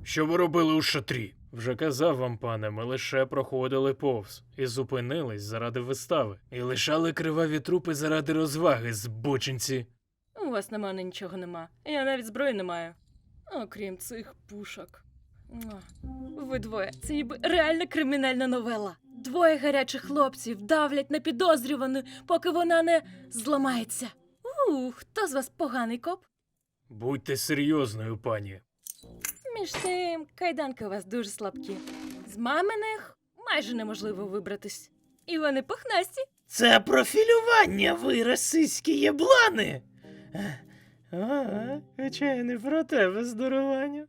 Що ви робили у шатрі? Вже казав вам, пане, ми лише проходили повз і зупинились заради вистави. І лишали криваві трупи заради розваги, збочинці. У вас на мене нічого нема. Я навіть зброї не маю. Окрім цих пушок. Муа. Ви двоє. Це ніби реальна кримінальна новела. Двоє гарячих хлопців давлять на підозрювану, поки вона не зламається. Хто з вас поганий коп? Будьте серйозною, пані. Між тим, кайданки у вас дуже слабкі. З маминих майже неможливо вибратись. І вони пухнасті. Це профілювання, ви расистські єблани! Хоча я не про тебе, здорованю.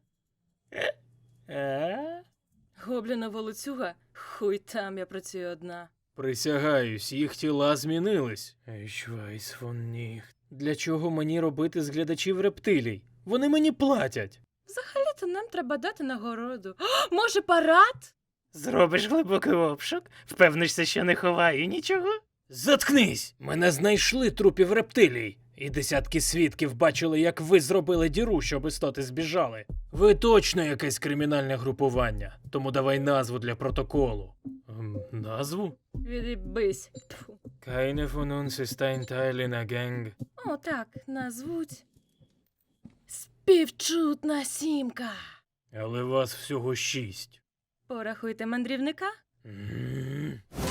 Гобліна волоцюга? Хуй там, я працюю одна. Присягаюсь, їх тіла змінились. Ich weiß von nicht. Для чого мені робити з глядачів рептилій? Вони мені платять. Взагалі-то нам треба дати нагороду. О, може, парад? Зробиш глибокий обшук? Впевнишся, що не ховаю нічого? Заткнись! Мене знайшли трупів рептилій. І десятки свідків бачили, як ви зробили діру, щоб істоти збіжали. Ви точно якесь кримінальне групування, тому давай назву для протоколу. Назву? Відібись. Тьфу. Keine von uns ist ein Teil einer Gang. О, так, назвуть. Співчутна сімка. Але вас всього 6. Порахуйте мандрівника. М.